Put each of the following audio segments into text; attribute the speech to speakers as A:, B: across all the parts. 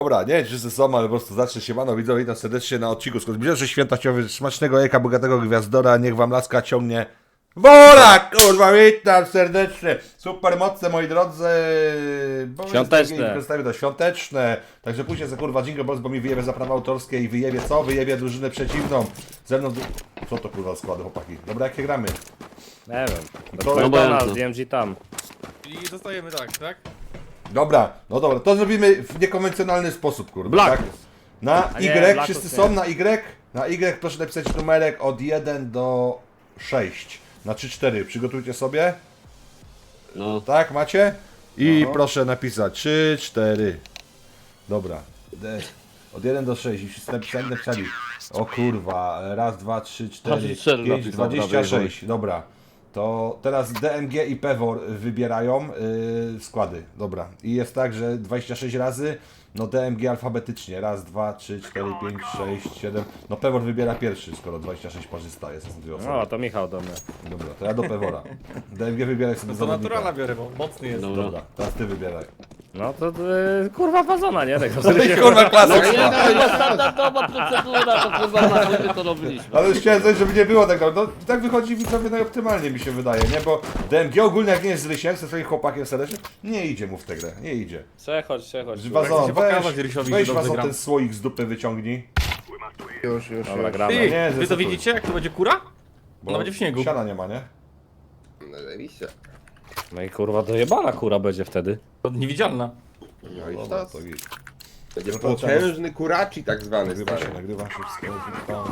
A: Dobra, nie wiem, czy wszyscy są, ale po prostu zacznę się, mano, widzowie, witam serdecznie na odcinku. Zbliżam się święta chciałbym smacznego jajka, bogatego gwiazdora, niech wam laska ciągnie. Wola, kurwa, witam serdecznie. Super mocne, moi drodzy.
B: Świąteczne.
A: Przedstawię to świąteczne. Także później za kurwa Jingle Balls, bo mi wyjebie za prawa autorskie i wyjebie co? Wyjebie drużynę przeciwną. Ze mną... Co to kurwa składy, chłopaki? Dobra, jakie gramy?
B: Nie wiem.
A: To-
B: To
A: no
B: nas, DMG tam.
C: I zostajemy tak?
A: Dobra, no dobra, to zrobimy w niekonwencjonalny sposób, kurwa.
B: Black.
A: Tak? Na
B: A nie,
A: Y,
B: Blackus
A: wszyscy
B: nie.
A: są na Y? Na Y proszę napisać numerek od 1 do 6. Na 3-4. Przygotujcie sobie.
B: No.
A: Tak, macie? I
B: No.
A: proszę napisać 3, 4. Dobra. Od 1 do 6. I wszyscy napisali. O kurwa. Raz, 2, 3, 4,
B: 4
A: 5,
B: napisał,
A: 26. Dobra. To teraz DMG i Pewor wybierają składy. Dobra. I jest tak, że 26 razy. No DMG alfabetycznie. Raz, 2, 3, 4, 5, 6, 7. No Pewor wybiera pierwszy, skoro 26 parzysta jest. Są dwie osoby.
B: No, to Michał do mnie.
A: Dobra, to ja do Pewora. DMG wybieraj sobie
C: To
A: zawodnika.
C: naturala biorę, bo mocny jest.
A: Dobra, teraz ty wybieraj.
B: No to kurwa fazona, nie? Tego
A: Kurwa klasyk.
D: Standardowa procedura, to kurwa na siebie to robiliśmy.
A: Ale już chciałem coś, żeby nie było tak. No tak wychodzi widzowie najoptymalniej mi się wydaje, nie? Bo DMG ogólnie jak nie jest z Rysiem, ze swoim chłopakiem serdecznie, nie idzie mu w tę grę, nie idzie.
B: Przechodź.
A: Wazon,
C: się pokazać Rysiowi,
A: weź
C: że dobrze
A: Wazon
C: gram.
A: ten słoik z dupy wyciągnij.
E: Już.
B: Dobra, gramy.
C: Ty,
A: Nie,
C: wy to
A: zdecyduj.
C: widzicie jak to będzie kura?
A: Bo
C: Ona będzie w śniegu.
A: Siana nie ma, nie?
E: No zajebiście.
B: No i kurwa dojebana kura będzie wtedy.
C: To niewidzialna.
E: No i
A: Dobra,
E: sztos.
A: to git.
E: Będzie
A: No to
E: potężny kuraci tak zwany,
A: Nagrywa
E: stary.
A: się, nagrywa się wszystko.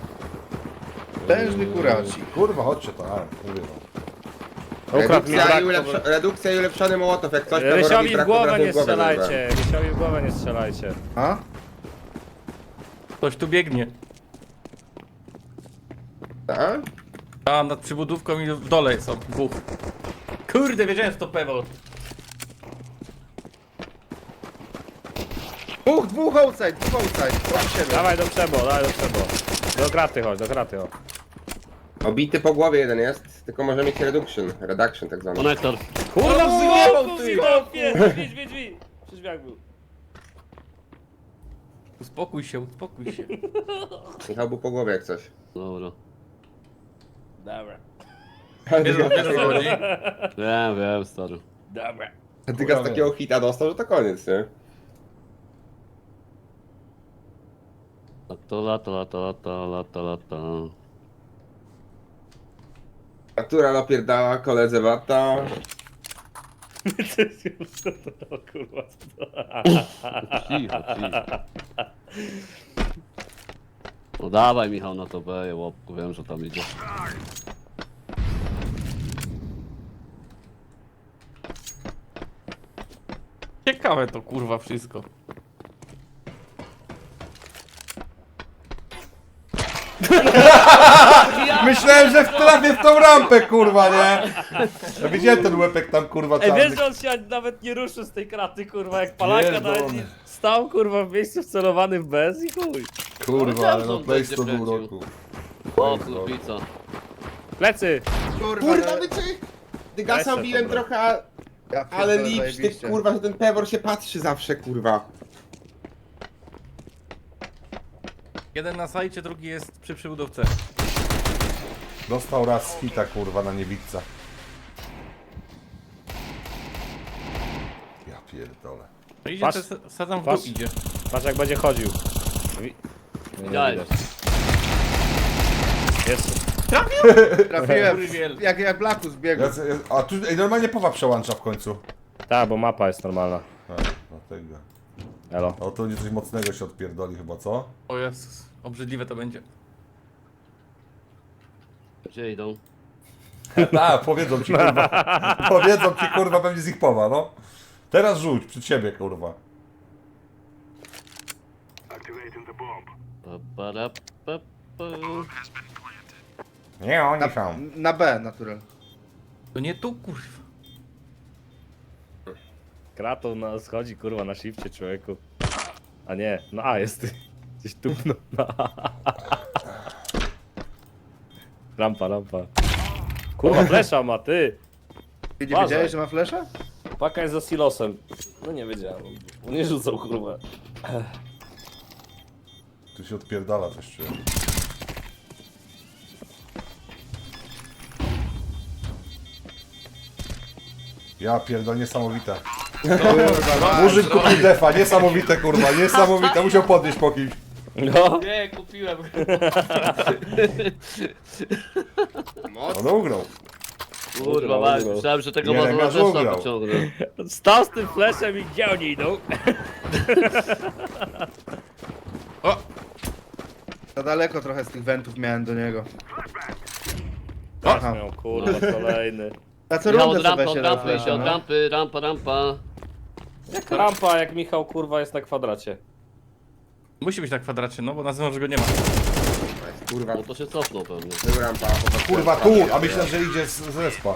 E: Potężny kuraci.
A: Kurwa, chodźcie to, a, mówię wam.
B: Ukradł mi
E: Redukcja i ulepszony mołotow, jak coś to
B: Rysiowi
E: robi
B: w głowę
E: trafił
B: nie strzelajcie. Rysiowi w głowę nie strzelajcie.
E: A?
C: Ktoś tu biegnie.
E: Tak?
C: A nad przybudówką i w dole są dwóch. Kurde, wiedziałem, że to pewno.
E: Dwóch outside. Od siebie.
B: Dawaj do przebo. Do kraty chodź.
E: Obity po głowie jeden jest, tylko może mieć reduction tak zwany.
D: Konektor.
B: Kurwa,
C: wyjebał, ty!
B: Drzwi. Przy drzwiach był.
C: Uspokój się.
E: Michał był po głowie jak coś.
D: Dobra.
B: Dobra.
C: Wiesz o co chodzi?
D: Wiem, stary.
B: Dobra.
E: Tylko z takiego hita dostał, że to koniec, nie?
D: Lata.
E: Natura napierdała koledze Bata.
B: O kurwa.
D: Cicho. No dawaj Michał na to B, łopku, wiem, że tam idzie.
C: Ciekawe to kurwa wszystko.
A: Myślałem, że trafię w tą rampę, kurwa, nie? Ja widziałem ten łepek tam, kurwa,
B: Ej,
A: czarny.
B: wiesz, że on się nawet nie ruszył z tej kraty, kurwa, jak palaka
A: Pierdolony.
B: nawet nie stał, kurwa, w miejscu wcelowany w bez i chuj.
A: Kurwa, ale no
D: Wiedziałem, że
A: place
D: on
A: to
D: będzie
A: był
D: kręcił.
A: roku.
D: O kurwica.
B: Plecy!
E: Kurwa, wiecie? Dygasa
B: Weź
E: biłem
B: dobra.
E: trochę, ale lipstick, kurwa, że ten Pewor się patrzy zawsze, kurwa.
C: Jeden na sajcie, drugi jest przy przybudówce.
A: Dostał raz hita, kurwa, na niewidca. Ja pierdolę.
C: No idzie,
B: Patrz.
C: sadzam w
B: Patrz.
C: dół idzie.
B: Patrz jak będzie chodził. Nie
D: Widziałem.
B: widać. Jest.
E: Trafiłem,
C: Kurwiel.
E: jak Blackus biegł.
A: A tu ej, normalnie powa przełącza w końcu.
B: Tak, bo mapa jest normalna.
A: A, dlatego.
B: Elo.
A: O, to nie coś mocnego się odpierdoli chyba, co?
C: O Jezus, obrzydliwe to będzie.
D: Gdzie idą?
A: Tak, powiedzą ci, kurwa. Powiedzą ci, kurwa, pewnie z ich powa, no. Teraz rzuć, przed siebie, kurwa.
D: Pa.
A: Nie, oni są.
E: Na B, natural.
C: To nie tu kurwa.
B: Kratą na schodzi, kurwa, na shifcie, człowieku. A nie, no A jest. Gdzieś tupnął na A. Rampa. Kurwa, flesza ma, ty.
E: Ty nie
B: Uważaj.
E: wiedziałeś, że ma flesza?
B: Paka jest za silosem. No nie wiedziałem. On nie rzucał, kurwa.
A: Tu się odpierdala coś czuję. Ja pierdolę, niesamowite. Muzyk kupił defa, niesamowite kurwa, niesamowite, musiał podnieść po kimś.
B: No.
D: Nie, kupiłem.
A: On ugrał.
D: Kurwa, mać, myślałem, że tego
A: Nie,
D: mazura
A: Lekarz
D: też
A: ugrał.
D: tam pociągnę.
B: Stał z tym fleszem i gdzie oni idą?
C: O!
F: Za daleko trochę z tych wentów miałem do niego.
B: Aha. Miał, kurwa, kolejny.
F: Na co
D: Michał,
F: rundę
D: od rampy,
F: sobie
D: od
F: się
D: rampy,
F: rozwala,
D: od
F: no.
D: rampy, rampa.
B: Jak rampa, jak Michał, kurwa, jest na kwadracie.
C: Musi być na kwadracie, no bo na zewnątrz go nie ma.
E: Kurwa,
D: No to się cofnął pewnie.
E: był rampa.
A: Kurwa tu, a myślę, że idzie z respa.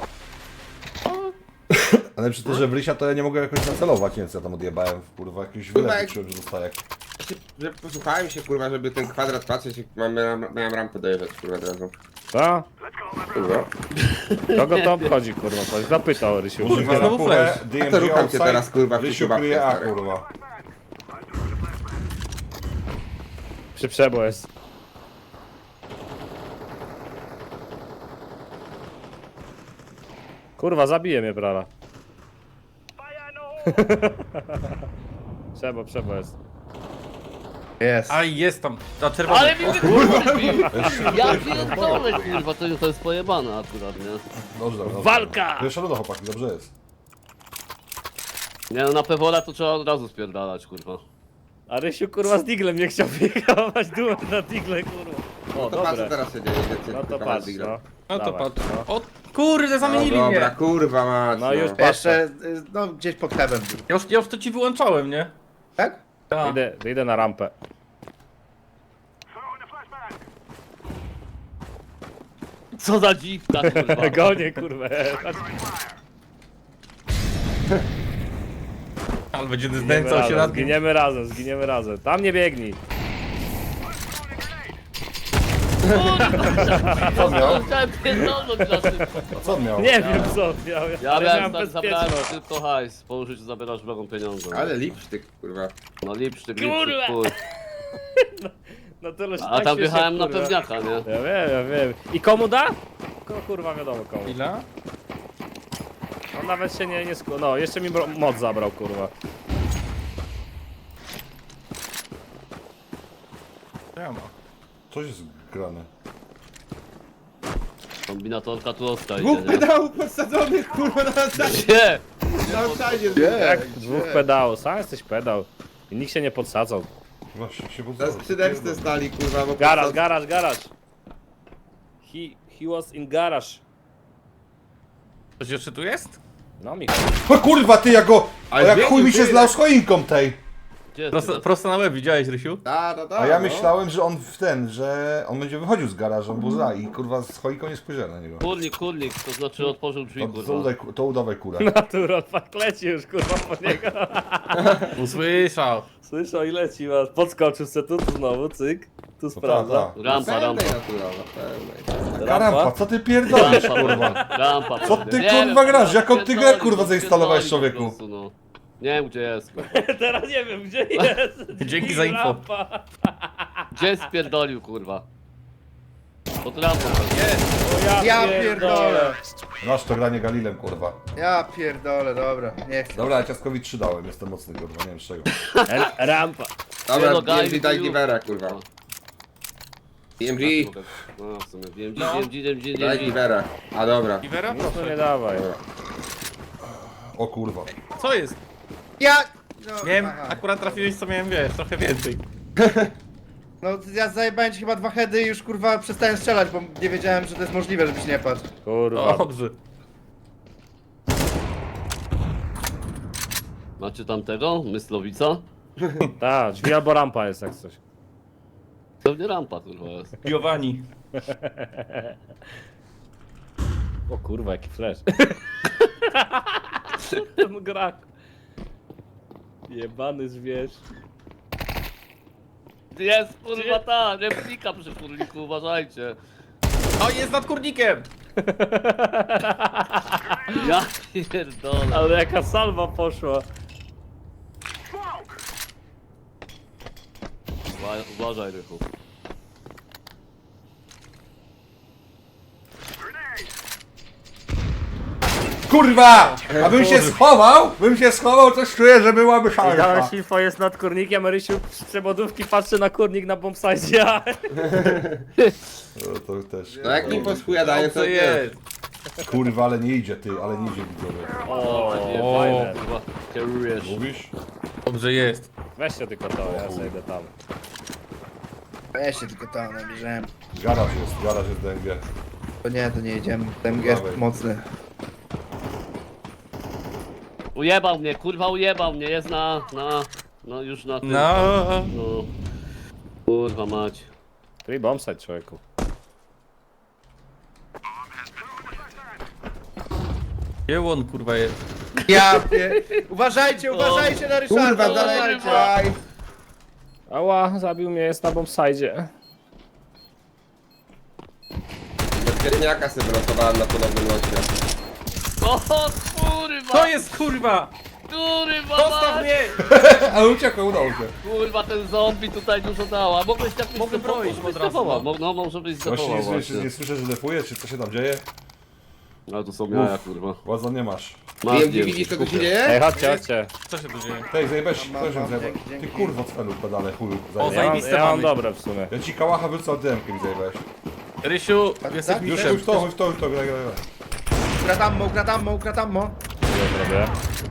A: Ale przy tym, że w Rysia to ja nie mogę jakoś nacelować, nie wiem co ja tam odjebałem, kurwa, jakiś
E: Kurwa,
A: wylew
E: jak-
A: czułem, że dostaję.
E: Że posłuchałem się, kurwa, żeby ten kwadrat patrzeć, jak miałem rampę dojeżdżać, kurwa, od razu.
B: Co?
E: Kurwa.
B: Kogo to obchodzi, kurwa? Coś zapytał Rysiu.
A: Kurwa, na
C: znowu
A: pulę,
C: flash.
A: DMG
E: To rucham cię
A: outside,
E: teraz, kurwa, w
A: Rysiu
E: ciuciubabkę,
A: kryje A,
E: stary.
A: kurwa.
B: Przy przebo jest. Kurwa, zabije mnie brala. Przebo jest.
F: Jest.
C: A jest tam, ta czerwona.
D: Ale mi kurwa bił! Ja pierdolę, kurwa, to jest pojebane akurat, nie?
A: Dobrze, dobrze.
B: Walka!
A: Pierwsza runda, chłopaki, dobrze jest.
D: Nie no, na Pewola to trzeba od razu spierdalać, kurwa.
B: A Rysiu, kurwa, z diglem nie chciał wyjechać duet na digle, kurwa. O,
E: To patrz, co
B: dobre.
E: teraz się dzieje, idę cię
B: No to
E: tylko
B: patrz,
E: digla.
B: no.
C: No to
B: Dawaj,
C: patrz.
B: no.
C: O kurde, zamienili
E: No dobra,
C: mnie.
E: kurwa mać,
B: No już
F: Jeszcze, no gdzieś pod heaven był.
C: Ja już to ci wyłączałem, nie?
F: Tak?
C: Tak.
B: Idę na rampę.
D: Co za dziwka, kurwa.
B: Gonię, kurwa.
C: Ale będzie
B: Zginiemy
C: znęcał się
B: razem,
C: nad nim.
B: zginiemy razem. Tam nie biegnij.
A: Co on miał?
D: Chciałem pierdolnąć na szybko.
A: A co on miał?
B: Nie wiem co miał,
D: Ja
B: ale
D: miałem
B: miałem
D: tak, zabrałem
B: bezpieczność.
D: tylko hajs, po użyciu zabierasz wrogą pieniądze.
E: Ale lipsztyk, kurwa.
D: No lipsztyk,
B: Kurwa!
D: chuj.
B: No tyle, że
D: A
B: tak
D: tam
B: się
D: wjechałem na
B: kurwa.
D: pewniaka, nie?
B: Ja wiem. I komu da? Kurwa wiadomo komu.
C: Ile?
B: On nawet się nie no jeszcze mi moc zabrał, kurwa.
C: To ja mam.
A: Coś jest grane.
D: Kombinatorka tu osta
E: Dwóch
D: idzie, nie?
E: pedałów podsadzonych, kurwa, na outside.
D: Nie!
E: Na outside.
B: Jak dwóch pedałów, sam jesteś pedał. I nikt się nie podsadzał.
A: Właśnie się
E: Na skrzydełce stali, kurwa, bo
B: Garaż. He was in garage.
C: Coś jeszcze tu jest?
B: No Michał.
A: O kurwa, ty, ja go... O,
E: Ale
A: jak
E: biegł
A: chuj mi się
E: tyle.
A: zlał z choinką tej.
D: Gdzie jest
C: Prosto,
D: tyle?
C: prosto na łeb, widziałeś, Rysiu?
A: A ja myślałem, że on że on będzie wychodził z garażu, on był za i kurwa z choinką nie spojrzałem na niego.
D: Kurnik, to znaczy otworzył drzwi, kurwa.
A: To udawaj kurę.
B: Natural, fakt leci już, kurwa, po niego.
C: Usłyszał.
B: Słyszał i leci, was. Podskoczył se tu znowu, cyk. Tu sprawdza.
D: Rampa.
A: Karampa, co ty pierdolisz, kurwa?
D: Rampa.
A: Co ty,
D: Nie
A: kurwa,
D: wiem,
A: grasz? Jaką ty grę,
D: pierdolił,
A: kurwa, zainstalowałeś,
D: pierdolił po
A: człowieku?
D: prostu, no. Nie wiem gdzie jest, kurwa.
B: Teraz nie wiem, gdzie jest.
C: Dzięki za info.
B: Rampa.
D: Gdzie spierdolił, kurwa? Pod rampą.
B: O,
F: Ja pierdolę.
A: Masz to granie Galilem, kurwa.
F: Ja pierdolę, dobra, nie chcę.
A: Dobra, ja ciaskowi 3 dałem, jestem mocny, kurwa, nie wiem z czego.
B: Rampa.
E: Dobra,
D: Nie no,
E: DMG
D: Guy,
E: daj
D: you-
E: givera, kurwa. DMG,
D: No w sumie,
E: No.
D: DMG.
E: daj givera. A dobra.
C: Iwera?
B: Nic tu nie dawaj.
A: O kurwa.
C: Co jest?
F: Ja! No,
C: Miałem,
F: aha.
C: akurat trafiłeś co miałem, wiesz, trochę więcej.
F: No ja zajebałem ci chyba 2 heady i już kurwa przestałem strzelać, bo nie wiedziałem, że to jest możliwe, żebyś nie padł.
B: Kurwa.
C: Dobrze.
D: Macie tam tego? Myslowica?
B: Tak, drzwi albo rampa jest jak coś.
D: Pewnie rampa, kurwa jest.
C: Giovanni.
B: O kurwa, jaki flash. Ten grak. Jebany zwierz.
D: Jest, kurwa ta, replika przy kurniku, uważajcie.
C: O, jest nad kurnikiem!
D: Ja pierdolę.
B: Ale jaka salwa poszła.
D: Uważaj, Rychu.
A: Kurwa! A bym się schował, coś czuję, że byłaby
B: Dałem
A: szansa.
B: Silfo jest nad kurnikiem, a Rysiu z przewodówki patrzy na kurnik na bombsite.
A: No to też.
E: No jak mi poschuja
C: Co jest?
A: Kurwa, ale nie idzie ty, ale nie idzie widzowie.
B: O,
C: O.
B: fajne.
D: Chyba kierujesz.
A: Mówisz?
C: Dobrze jest.
B: Weźcie tylko to, ja zejdę tam.
F: Weź się tylko tam nabierzemy.
A: Garaż jest DMG.
F: To nie jedziemy. Ten jest
A: Dawaj.
F: mocny.
D: Ujebał mnie, kurwa ujebał mnie, jest no już na tym.
C: No.
D: No. Kurwa mać.
B: Tu i bombsite, człowieku.
C: Gdzie on kurwa jest?
F: Uważajcie na Ryszarda,
E: Kurwa,
F: uważajcie.
E: dalej.
B: Ała, zabił mnie, jest na bombsite.
E: Bezpieczniaka sobie wylosowałem na ponownym locie.
D: O kurwa!
C: To jest kurwa!
D: Kurwa
C: Zostaw
D: mać!
C: mnie!
A: Ale uciekł, udało się.
D: Kurwa, ten zombie tutaj dużo dała. Mogłeś tak
C: Mogę broić od razu,
D: No może być
A: Właśnie
D: zdefował
A: nie
D: właśnie.
A: słyszę, że defuje, czy co się tam dzieje?
D: Ale tu są jaja, kurwa.
A: Łaza nie masz.
D: Masz,
E: Wiem,
D: nie
E: widzisz co tu się
D: kupię.
E: dzieje?
B: Ej, chodźcie.
C: Co się tu dzieje?
A: Tej zajebesz,
F: Mam,
A: też ją
F: mam,
A: zajebę.
F: dzięki.
A: Ty kurwo celu pedale, chuju.
C: O,
A: zajebę.
C: zajebiste
B: Ja mam
C: mamy.
B: dobre w sumie.
A: Ja ci kałacha wyrzucę dymkiem mi zajebałeś.
C: Rysiu, jesteś
F: tak?
A: Już
C: mistrzem.
A: to, graj.
F: Ukratammo.
B: Ja zrobię.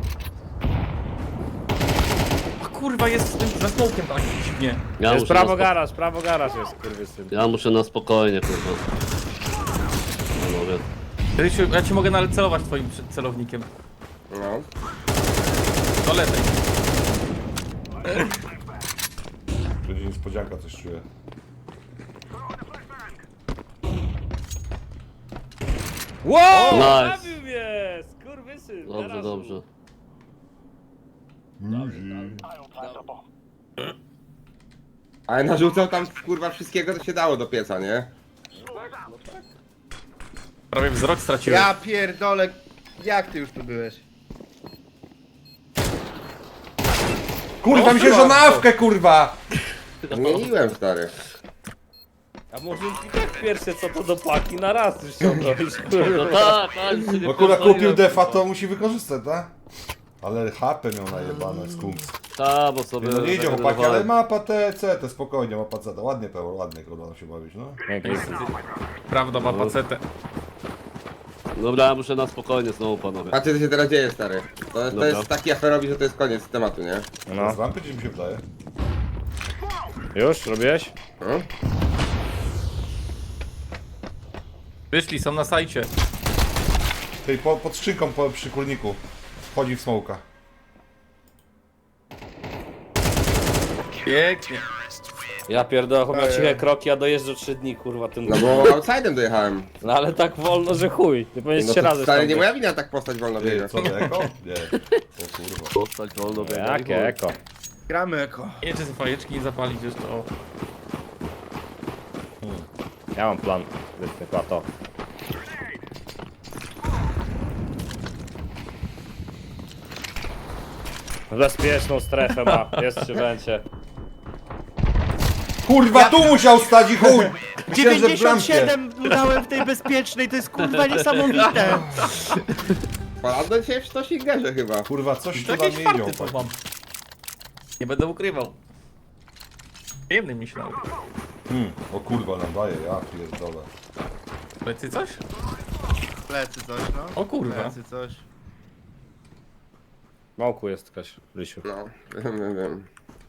C: A kurwa jest z tym za smokiem tak dziwnie.
D: Ja
B: Jest
D: muszę na
B: prawo garaż jest, kurwysyn.
D: Ja muszę na spokojnie, kurwa. Panowie.
C: Rysiu, ja ci mogę nawet celować twoim celownikiem.
E: No.
C: Do lewej.
A: Będzie niespodzianka, coś czuję.
B: Wow!
D: Nice.
B: Zabił mnie! Skurwysyn!
D: Dobrze,
B: teraz.
D: dobrze.
E: Ale narzucał tam kurwa wszystkiego, co się dało do pieca, nie?
C: Prawie wzrok straciłem.
F: Ja pierdolę. Jak ty już tu byłeś?
A: Kurwa, mi się że na awkę, kurwa!
E: Zmieniłem, stary.
B: A może i tak pierwsze co to do paki na raz już ściągnąć,
D: No
B: kurwa.
D: tak, tak.
A: No kurwa, kupił defa, to musi wykorzystać, tak? Ale HP miał najebane, skunks.
D: Ta, bo sobie...
A: No nie idzie chłopaki, ale
D: regenerowałem.
A: mapa CT, spokojnie, mapa CT. Ładnie Pełor, ładnie kurwa się bawić, no.
C: Prawda, ma pacetę.
D: Dobra, ja muszę na spokojnie znowu, panowie.
E: Patrzcie co się teraz dzieje, stary. To
D: Dobra.
E: jest taki aferowi, że to jest koniec tematu, nie?
B: No.
A: Z rampy, czy mi się wydaje?
B: Już? Robiłeś?
E: No?
C: Wyszli, są na sajcie.
A: Tej pod skrzynką przy kurniku. Wchodzi w smoka.
C: Pięknie.
B: Ja pierdolę, chłop miał ciche kroki, a dojeżdża 3 dni, kurwa, ten...
E: No bo outside'em dojechałem.
B: No ale tak wolno, że chuj. Nie powinieneś
E: No
B: 3
E: to
B: razy
E: stary, nie
B: stąd
E: moja wina tak postać wolno
A: Ty,
E: biega.
A: co, eko? Nie. O kurwa.
D: Postać wolno
B: być.
D: biega i
B: Jakie
D: chuj.
B: eko?
F: Gramy eko.
C: Nie, czy fajeczki nie zapalić jeszcze, o.
B: Ja mam plan. Wytnę to. Bezpieczną strefę ma, jest przy węcie.
A: Kurwa, tu musiał stać i chuj! Myślałem, że w bramkę.
F: 97 dałem w tej bezpiecznej, to jest kurwa niesamowite.
E: Paladno dzisiaj w Stosingerze chyba.
A: Kurwa, coś tu
C: To
A: nam
C: jakieś
A: nie idzie,
C: farty co
A: chłopaki.
C: mam. Nie będę ukrywał. Przyjemny myślał.
A: O kurwa, nam daje, ja pierdolę.
C: Plecy coś?
F: Plecy coś, no.
C: O kurwa.
F: Plecy coś.
B: Małku jest ktoś, Rysiu.
E: No, wiem.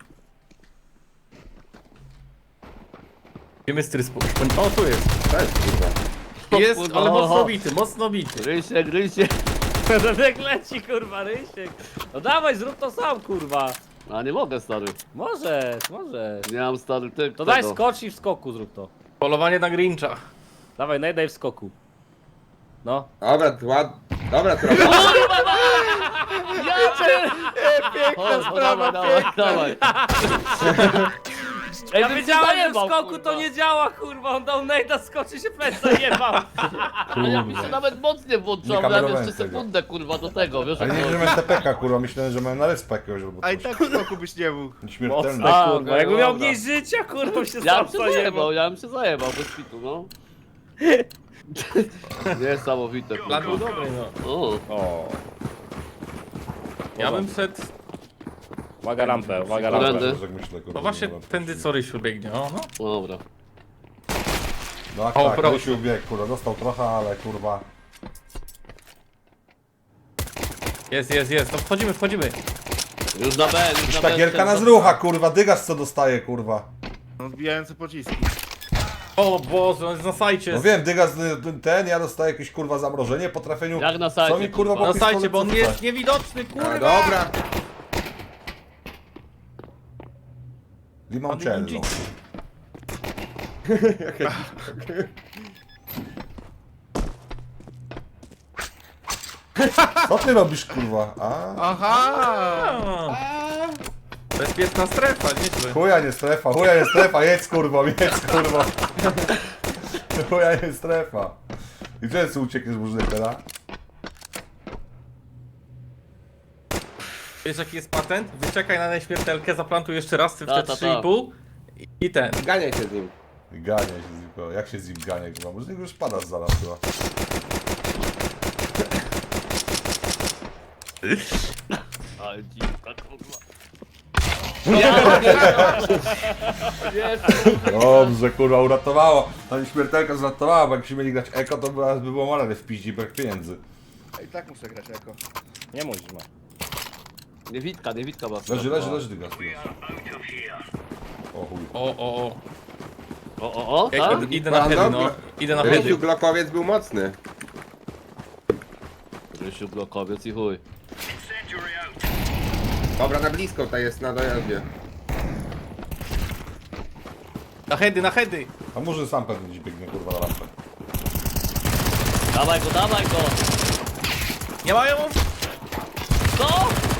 C: Wiemy stryspu. O, tu jest.
E: Cześć, kurwa.
C: Jest,
D: kurwa,
C: ale mocno
D: oho.
C: bity, mocno bity.
D: Rysiek, Rysiek.
B: Redek leci, kurwa, Rysiek. No dawaj, zrób to sam, kurwa.
D: A nie mogę, stary.
B: Możesz.
D: Nie mam, stary, ty
B: To daj skocz i w skoku zrób to.
C: Polowanie na Grincha.
B: Dawaj, najdaj w skoku. No.
E: Dobra, to Dobra, to
D: Piękna sprawa, dawaj, dawaj. Ej,
B: Ja
D: bym się
B: wiedziałem, że w
D: zajebał,
B: skoku
D: kurwa.
B: to nie działa, kurwa. On dał nejda, skoczy się plec zajebał.
D: A ja mi się nawet mocnie włączyło,
A: Nie
D: miałem
A: kamerowałem
D: jeszcze
A: tego.
D: sekundę kurwa do tego, wiesz
A: Ale
D: jak
A: nie,
D: to
A: że miałem TPK, kurwa, myślałem, że miałem na respa jakiegoś albo
F: A i
A: coś.
F: tak w skoku byś nie mógł.
A: Śmiertelny.
B: A,
D: okej,
B: kurwa, jakby miał
D: dobra.
B: mniej życia, kurwa, się
D: Ja
B: sam
D: bym się
B: zajebał.
D: zajebał, bez pitu, no. Niesamowite,
C: Plan był
D: kurwa.
C: dobry, no.
B: O,
C: Ja bym szedł...
B: uwaga rampę, uwaga
D: Którędy?
B: rampę.
A: Tak myślę, kurwa,
C: No właśnie
A: dobra.
C: tędy co Rysiu biegnie, o no.
D: Dobra.
A: No
C: O,
A: tak,
C: proszę.
A: Rysiu bieg, kurwa, dostał trochę, ale kurwa.
C: Jest, no wchodzimy.
D: Już na B, już na B.
A: Ta gierka na zrucha, kurwa, dygas co dostaje, kurwa.
F: Odbijające pociski.
C: O Boże, on jest na sajcie.
A: No wiem, dygas ten, ja dostaję jakieś kurwa zamrożenie po trafieniu.
D: Jak na sajcie,
A: Co mi kurwa
D: kurwa.
A: po
C: Na sajcie,
A: pistolet
C: bo on
A: rzuca?
C: jest niewidoczny,
E: A,
C: kurwa!
E: dobra.
A: Limoncello. Co ty robisz, kurwa? A?
F: Aha!
C: A. Bezpieczna strefa, nieźle.
A: Chuja nie strefa, jedz kurwa, Chuja nie strefa. I gdzie jest uciekniesz z burzykera?
C: Wiesz jaki jest patent? Wyczekaj na nieśmiertelkę, zaplantuj jeszcze raz, ty w
D: Ta,
C: te
D: ta,
C: 3,5 i ten.
E: Ganiaj się z nim.
A: Gania się z nim, kurwa. Jak się z nim gania, kurwa? Może już padasz zaraz, chyba.
D: Ale dziwka, kurwa.
A: Dobrze, kurwa, uratowało. Ta nieśmiertelka zratowała, bo jakbyśmy mieli grać eko, to by było malary w piździ, brak pieniędzy.
F: A i tak muszę grać jako.
B: Nie musisz, ma.
D: Niewitka ma.
A: Leży, dygas. O chuj.
D: O,
C: Ej,
D: tak?
C: idę na heady, no. Idę na heady.
E: Rysiu Glockowiec był mocny.
D: Rysiu blokowiec i chuj.
E: Dobra, na blisko tutaj jest, na dojeździe.
C: Na heady.
A: A może sam pewnie gdzieś biegnie, kurwa, na lampę.
D: Dawaj go!
C: Nie mają?
D: Co?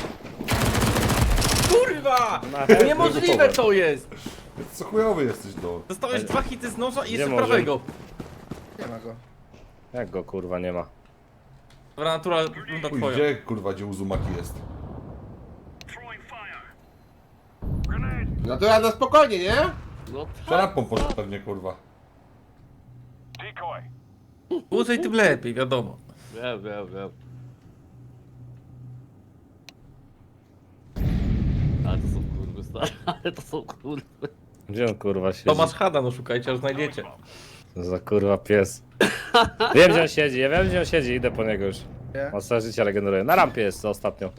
C: Kurwa!
B: Na heady
C: Niemożliwe
B: gotowe.
C: to jest!
A: Co chujowy jesteś, no.
C: Dostałeś 2 hity z noża i jeszcze
B: może?
C: prawego.
F: Nie ma go.
B: Jak go kurwa nie ma?
C: Dobra, natura runda
A: Chuj,
C: twoja.
A: gdzie Uzumaki jest?
E: No to ja na spokojnie, nie?
D: No
A: Za lampą poszedł pewnie, kurwa.
C: Dłużej tym lepiej, wiadomo.
D: Wiem. Ale to są kurwy, stary. Ale to są kurwy.
B: Gdzie on kurwa siedzi?
C: Tomasz Hada, no szukajcie, aż znajdziecie.
B: Co za kurwa pies. Wiem gdzie on siedzi, ja wiem gdzie on siedzi, idę po niego już.
F: Nie?
B: On całe życie regeneruje. Na rampie jest to ostatnio.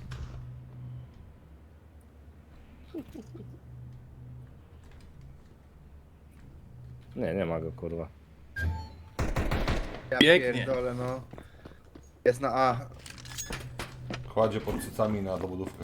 B: Nie ma go kurwa.
F: Ja
C: Pięknie.
F: pierdolę, no. Jest na A.
A: Kładzie pod cycami na dobudówkę.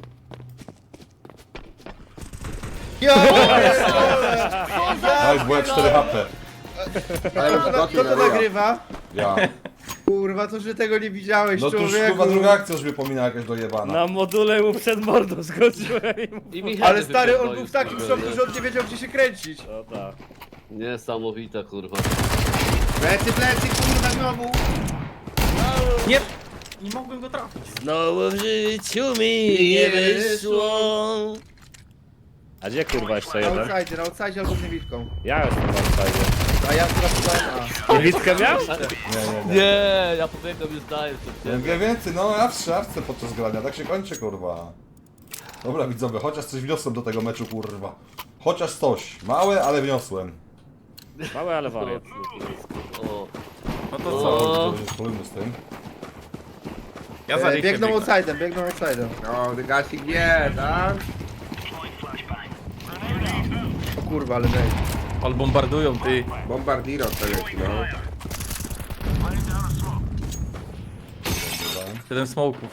F: Jo! pierdolę!
A: Daj, bo ja 4 HP.
E: Ale już
F: Kto
E: skoczył
F: to
E: na ryja.
F: nagrywa?
A: Ja.
F: Kurwa, to że tego nie widziałeś,
A: No to już
F: człowieku.
A: kurwa druga akcja już mnie pomina jakaś dojebana.
B: Na module mu przed mordą skoczyłem i mu...
D: I mi
F: Ale
D: heady
F: stary, on
D: wypierdolił,
F: był w takim
D: kurwa,
F: szoku,
D: nie?
F: że on nie wiedział gdzie się kręcić.
B: No tak.
D: Niesamowite, kurwa.
E: Plecy, kurwa, znowu.
C: Nie! Nie mogłem go trafić.
B: Znowu w życiu mi nie wyszło. A gdzie kurwa jeszcze
F: Na
B: jeden?
F: outside albo z niewidką.
B: Ja jestem na outside.
F: A ja sprawdzałem A.
B: Niewidkę miał?
A: Nie.
D: Nie, ja pobiegłem już dalej przed
A: Ja
D: ciebie.
A: wiem więcej, no ja w szafce podczas grania, tak się kończy, kurwa. Dobra widzowie, chociaż coś wniosłem do tego meczu, kurwa. Chociaż coś. Małe, ale wniosłem.
B: Mały, ale wariat.
D: O,
C: No to
D: O.
C: co?
A: Dobrze, spróbujmy z tym.
C: Ja za Rykiem
F: Biegną
C: biegnę.
F: outside'em.
E: No, dygasik wie, tak?
F: O kurwa, ale daj.
C: Ale bombardują, ty.
E: Bombardiro to leci, no.
C: 7 smoków.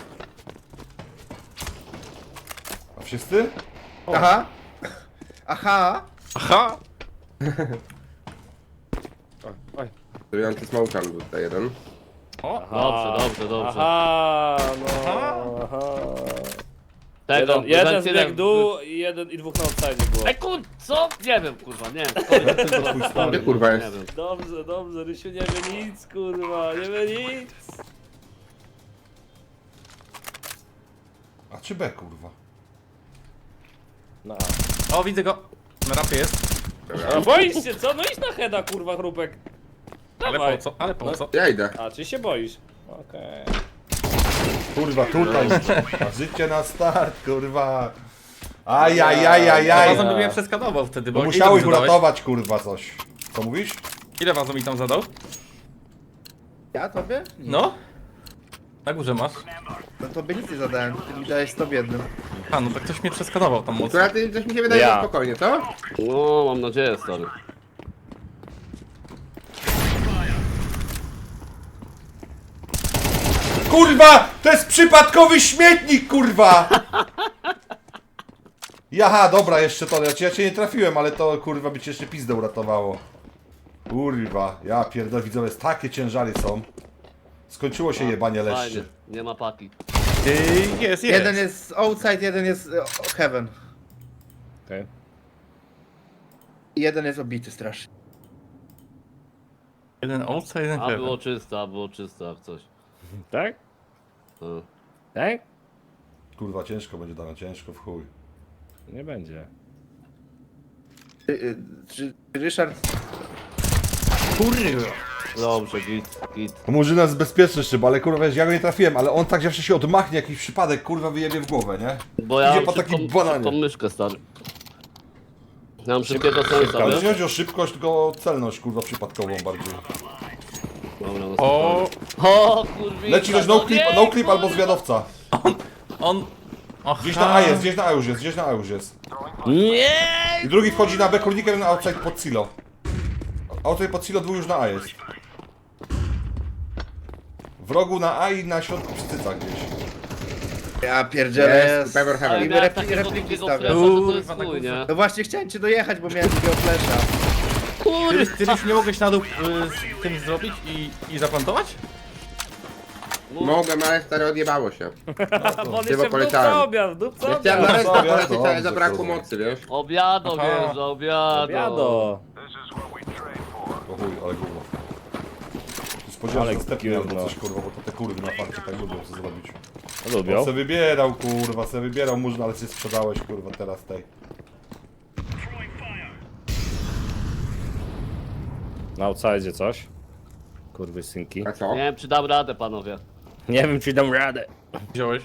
A: A wszyscy?
F: Aha. Aha.
C: Aha!
E: Trujący smokan był tutaj jeden.
C: O!
D: dobrze.
B: Aha, no.
C: Aha.
B: Aha.
D: Tego,
B: Jeden
D: wentyler-
B: zbieg dół i jeden i dwóch na outside było.
D: Kur... co? Nie wiem, kurwa, nie.
E: Gdzie kurwa
D: Nie
E: jest?
D: wiem.
B: Dobrze, dobrze, Rysiu nie wie nic, kurwa, nie wie nic.
A: A czy B, kurwa?
B: No,
C: O, widzę go. Na rampie jest.
B: a boisz się, co? No idź na heada, kurwa, chrupek.
C: Ale
B: Dawaj.
C: po co? Ale po co?
E: Ja idę.
B: A, czy się boisz? Okej.
A: Kurwa, tutaj. A życie na start, kurwa.
C: Ja
A: Ajajajajaj.
C: wazon by mnie przeskanował wtedy, bo
A: No
C: ile
A: musiałeś
C: mi zadałeś?
A: uratować, kurwa, coś. Co mówisz?
C: Ile wazon mi tam zadał?
F: Ja tobie?
C: No? Na górze masz.
F: No tobie nic nie zadałem, ty mi dałeś 100 w jednym.
C: A, no tak ktoś mnie przeskanował tam mocno.
E: Akurat coś mi się wydaje,
B: Ja.
E: że spokojnie, co?
D: No, mam nadzieję, stary.
A: Kurwa! To jest przypadkowy śmietnik, kurwa! Jaha, dobra, jeszcze to. Ja cię nie trafiłem, ale to kurwa by cię jeszcze pizdę uratowało. Kurwa, ja pierdolę, widzowie, takie ciężary są. Skończyło się jebanie
D: Fajnie,
A: leszczy.
D: nie ma paki.
C: Jest.
F: Jeden jest outside, jeden jest heaven.
B: Okej.
F: I jeden jest obity strasznie.
C: Jeden outside, jeden
D: A
C: heaven.
D: było czysto, jak coś.
B: Tak?
D: No.
B: Tak?
A: Kurwa, ciężko będzie dane, ciężko w chuj.
B: Nie będzie.
F: Czy Ryszard...
C: Kurwa.
D: Dobrze, git.
A: Murzyna jest bezpieczny szyb, ale kurwa, wiesz, ja go nie trafiłem, ale on tak zawsze się odmachnie, jakiś przypadek, kurwa, wyjebie w głowę, nie?
D: Bo ja
A: Idzie
D: mam
A: po takim
D: szybką
A: bananie.
D: myszkę, stary. Ja mam szybkiego sensa,
A: Ale
D: wiesz?
A: nie chodzi o szybkość, tylko o celność, kurwa, przypadkową bardziej.
D: Dobra, no
C: O,
D: O, kurwa.
A: Leci ktoś no clip albo zwiadowca.
C: on... Och,
A: Gdzieś na A jest, gdzieś na A już jest, gdzieś na A już jest.
D: Nie!
A: I drugi wchodzi na B, kurnikiem na outside pod silo. Outside pod silo, dwóch już na A jest. W rogu na A i na środku przy cycach gdzieś.
F: Ja pierdzielę.
E: Jest, Pebble
D: Ale
E: Heaven.
F: miałem
D: miałem
F: repliki
D: takiego
F: stawiam.
D: flesza, że to jest
C: Kurwa,
D: chuj, nie?
F: No właśnie chciałem cię dojechać, bo miałem takiego flesza.
C: Ty już nie mogłeś na dół z tym zrobić i zaplantować?
E: Mogłem, ale stary odjebało się.
B: Bo on
E: Chyba
B: jeszcze w
E: poleciałem.
B: dupce obiad, w dupce
E: Ja chciałem na
B: obiad.
E: resztę
A: Dobrze,
E: polecieć, ale
A: dobrze,
E: zabrakło
A: kurwa.
E: mocy, wiesz?
D: Obiado,
C: Aha.
D: wiesz, obiado.
B: Obiado.
A: O chuj, ale kurwa. Spodziewałem
B: Ale
A: się następny albo
B: gówno.
A: coś, kurwa, bo to te kurwy na farcie tak lubią co zrobić.
B: Lubią.
A: On se wybierał, kurwa, se wybierał Murzyn, ale się sprzedałeś, kurwa, teraz tej.
B: Na outside coś. Kurwy synki.
E: A co?
D: Nie wiem, czy dam radę, panowie.
B: Nie wiem, czy dam radę.
C: Wziąłeś?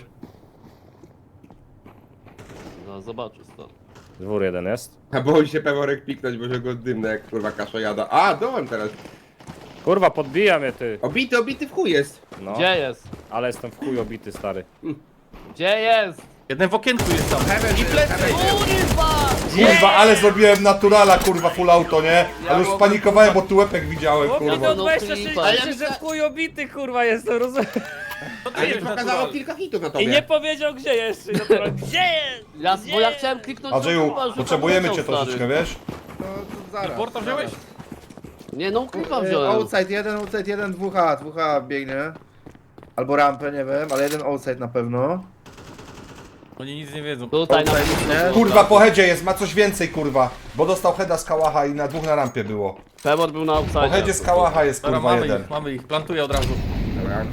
D: No, zobaczę, stary.
B: Dwór jeden jest.
E: A boi się Peworek piknąć, bo się go dymne jak kurwa kasza jada. A, dołem teraz.
B: Kurwa, podbija mnie ty.
E: Obity w chuj jest.
B: No,
D: Gdzie jest?
B: ale jestem w chuj obity, stary.
D: Gdzie jest?
C: Jeden w okienku jest tam.
E: Heaven, i plecy.
D: Kurwa!
A: Kurwa, ale zrobiłem naturala, kurwa, full auto, nie? Ale już spanikowałem, bo tu łepek widziałem,
B: Chłopie,
A: kurwa.
B: do
D: no
B: 26,
D: klipa.
B: ale że w chuj obity, kurwa, jestem, rozumiem.
E: A już pokazało kilka hitów na
B: I
E: tobie.
B: nie powiedział gdzie jeszcze. Natural. Gdzie jest?
D: Ja,
B: Gdzie?
D: bo ja chciałem kliknąć
A: Andrzeju,
D: kurwa, żeby
A: potrzebujemy
D: poleciał,
A: cię troszeczkę,
D: stary.
A: wiesz?
F: No to zaraz.
C: Porta wziąłeś?
D: Nie, no klipa wziąłem.
F: Outside jeden, 2H biegnie. Albo rampę, nie wiem, ale jeden outside na pewno.
C: Oni nic nie wiedzą.
D: Tutaj na
F: nie?
A: Kurwa, po headzie jest, ma coś więcej, kurwa. Bo dostał heada z kałacha i na dwóch na rampie było.
D: Pemor był na
A: Po
D: outside.
A: headzie z kałacha jest,
C: Dobra,
A: kurwa, jeden.
C: mamy ich, plantuję od razu.
E: Dobra.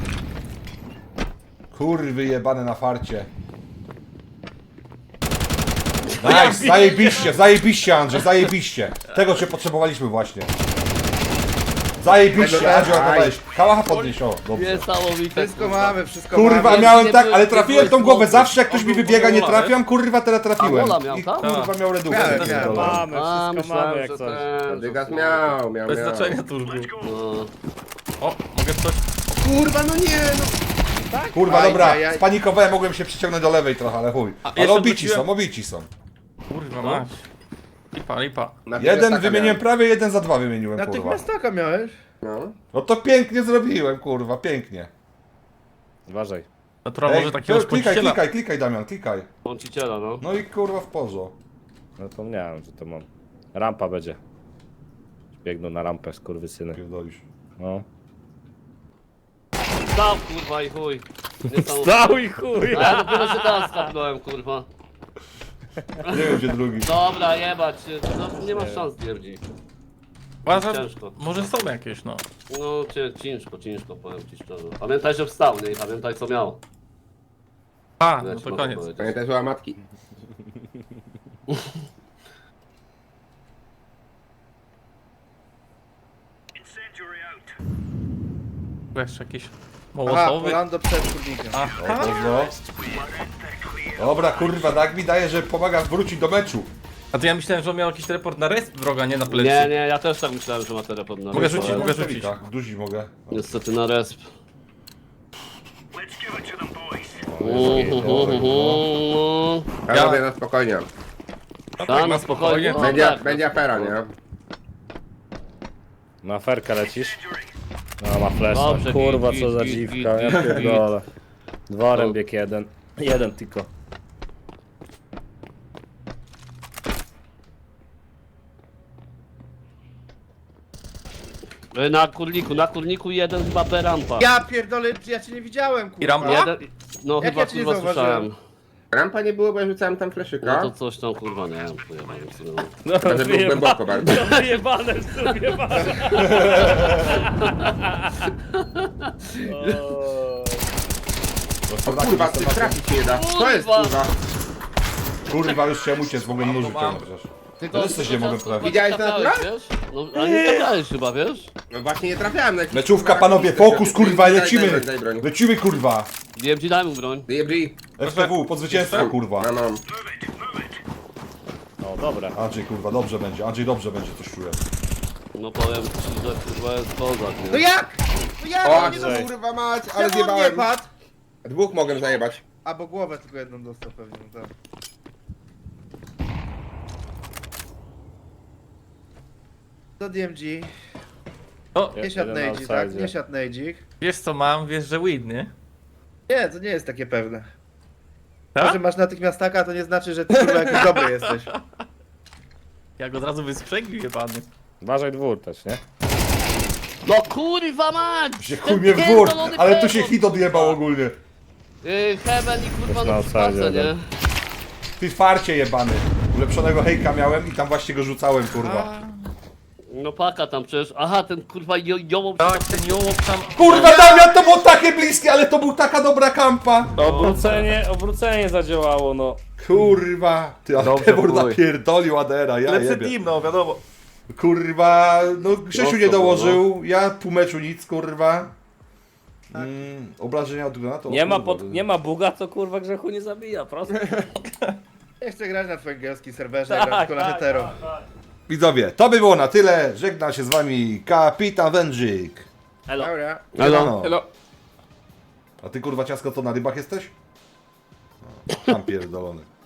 A: Kurwy jebane na farcie. Nice, zajebiście Andrzej, zajebiście. Tego cię potrzebowaliśmy właśnie. Zajebiście, Andrzej, oddawałeś. Kałacha podnieś, o, dobrze.
D: Niesamowite.
F: Wszystko mamy, wszystko
A: Kurwa,
F: mamy.
A: miałem
D: nie
A: tak,
D: byłeś-
A: ale
D: nie
A: trafiłem
D: byłeś
A: tą głowę.
D: mocny.
A: Zawsze jak ktoś
C: On
A: mi
C: był
A: wybiega, nie
C: wola,
A: trafiam, kurwa, teraz trafiłem.
D: A, wola miał,
A: I
D: tak?
A: kurwa miał redukcję.
F: Miałem,
A: pierdolę.
B: Mamy,
D: A,
B: wszystko
D: myślałem,
B: mamy jak
D: że
B: coś.
D: ten,
E: Dygas
D: że-
E: miał.
C: Bez znaczenia to już było.
D: No.
C: O, mogę coś?
E: Kurwa, no nie, no.
A: Kurwa,
F: Aj,
A: dobra,
F: aj, aj.
A: spanikowałem, mogłem się przyciągnąć do lewej trochę, ale chuj.
C: A,
A: Ale
C: jeszcze
A: obici
C: wróciłem-
A: są, obici są.
C: Kurwa mać. Lipa.
E: Na
A: Jeden
E: taka
A: wymieniłem
E: miałem.
A: prawie, jeden za dwa wymieniłem, kurwa.
F: Natychmiast taka miałeś.
E: No.
A: No to pięknie zrobiłem, kurwa, pięknie.
B: Uważaj.
C: Natura może takiego szpąciciela.
A: klikaj Damian, klikaj.
D: Bąciciela, no.
A: No i kurwa w porzo.
B: No to miałem, że to mam. Rampa będzie. Biegną na rampę, skurwysyny.
A: Pierdolisz.
B: No.
D: Stał kurwa i chuj. Niesamowite.
B: Stał i chuj!
D: A ja dopiero się teraz skapnąłem kurwa.
A: Nie wiem gdzie drugi.
D: Dobra, jebać. No, nie masz szans Dierdzi.
C: Uważam,
D: Ciężko.
C: może są jakieś, no.
D: No ciężko powiem ci szczerze. Pamiętaj, że wstał, nie? I pamiętaj co miał.
C: A,
D: Ja
C: no
D: ci
C: to
D: mogę
C: koniec.
D: powiedzieć.
E: Pamiętaj, że łamatki.
C: Jeszcze jakiś
F: Aha,
C: mołotowy.
F: Polando przed kurnikiem.
C: Aha.
A: No. Dobra, kurwa, tak mi daje, że pomaga wrócić do meczu.
C: A to ja myślałem, że on miał jakiś teleport na resp wroga, nie na plecy.
D: Nie, ja też tak myślałem, że ma teleport na
C: Mogę
D: resp,
C: rzucić,
D: ale
C: mogę rzucić.
A: Tak, duzi mogę.
D: niestety na resp.
E: Ja robię na spokojnie.
C: No
D: Tak, na spokojnie. No, tak.
E: Będzie afera, nie?
B: Na ferkę lecisz? No ma flash.
D: Dobrze,
B: Kurwa
D: git,
B: co za
D: git,
B: dziwka,
D: git,
B: ja
D: git,
B: pierdolę. Dworem
D: No.
B: bieg jeden. Jeden tylko.
D: Na kurniku jeden chyba berampa.
F: Ja pierdolę, ja cię nie widziałem, kurwa.
C: I rampa?
D: Jeden, no
F: Jak
D: chyba
F: ja cię nie
D: kurwa
F: zauważyłem?
D: słyszałem.
E: Rampa nie było, bo ja rzucałem tam
D: No
E: fleszyka.
D: to coś tam kurwa nie wiem, pojebałem w sumie.
B: No
E: Może był głęboko bardzo.
B: No wyjebane w sumie,
E: O kurwa, ty trafić nie da. To jest kurwa.
A: Kurwa, już chciałem uciec, mogłem nóż wyciągnąć chociaż.
D: Tylko
A: Teraz coś nie mogę
D: kurwa,
A: prawić.
E: Widziałeś to
D: skakałeś,
E: naturalnie?
D: wiesz? No a nie skakałeś chyba, wiesz?
E: No właśnie nie trafiałem na jakiś,
A: Meczówka,
E: kurwa,
A: panowie,
E: jakiś
A: fokus,
E: gościu.
A: kurwa,
E: Daj
A: lecimy!
E: broń, daj broń.
A: Lecimy, kurwa!
D: DMG daj mu broń.
E: DMG.
A: FTW, pod zwycięstwo, kurwa.
E: No, no.
B: No dobra.
A: Andrzej, kurwa, dobrze będzie, Andrzej dobrze będzie, coś czuję.
D: No powiem ci, że kurwa jest kozak,
F: No
D: nie?
F: jak? No jak?
E: O,
F: No nie
B: Andrzej.
E: kurwa mać, ale
F: Czemu on nie
E: zjebałem.
F: padł?
E: Dwóch mogłem zajebać.
F: A, bo głowę tylko jedną dostał pewnie, no tak. Do DMG.
C: O,
F: Nie siadł
B: Jeden
F: nejdzik, tak?
B: outside.
F: Nie siadł nejdzik.
C: wiesz co mam, wiesz, że win, nie?
F: Nie, to nie jest takie pewne. To,
C: Tak?
F: że masz natychmiast taka, to nie znaczy, że ty kurwa jakiś dobry jesteś.
C: Jak od razu wysprzęglił jebany.
B: Uważaj dwór też, nie?
D: No kurwa mać!
A: Się
D: Ten
A: chuj mnie w dwór,
D: pierdolony
A: ale tu się
D: pewor.
A: hit odjebał ogólnie.
D: Heaven i kurwa
B: Jest na
D: no
B: outside
D: przypadce, nie?
B: jeden.
A: Ty farcie jebany. Ulepszonego hejka miałem i tam właśnie go rzucałem, kurwa.
D: No paka tam przecież. Aha, ten kurwa jołom.
C: Tak, ten jołop tam...
A: Kurwa, Damian, to było takie bliskie, ale to był taka dobra kampa.
B: Obrócenie zadziałało, no.
A: Kurwa. Ty, ale
C: Dobrze,
A: Pewor
C: chuj.
A: napierdolił Adera, ja
C: Lepszy
A: jebie.
C: team, no wiadomo.
A: Kurwa, no Grzesiu nie
E: Mocno
A: dołożył, ja pół meczu nic, kurwa. Obrażenia od granatu.
B: Nie ma buga, to kurwa grzechu nie zabija, prosto.
F: Nie chcę grać na twoim gejowskim serwerze, gram tylko na hetero.
A: Widzowie, to by było na tyle. Żegna się z wami Kapitan Wędrzyk.
B: Elo.
F: Dobra.
A: Siemano.
C: Hello.
A: A ty kurwa ciasko to na rybach jesteś? No, tam pierdolony.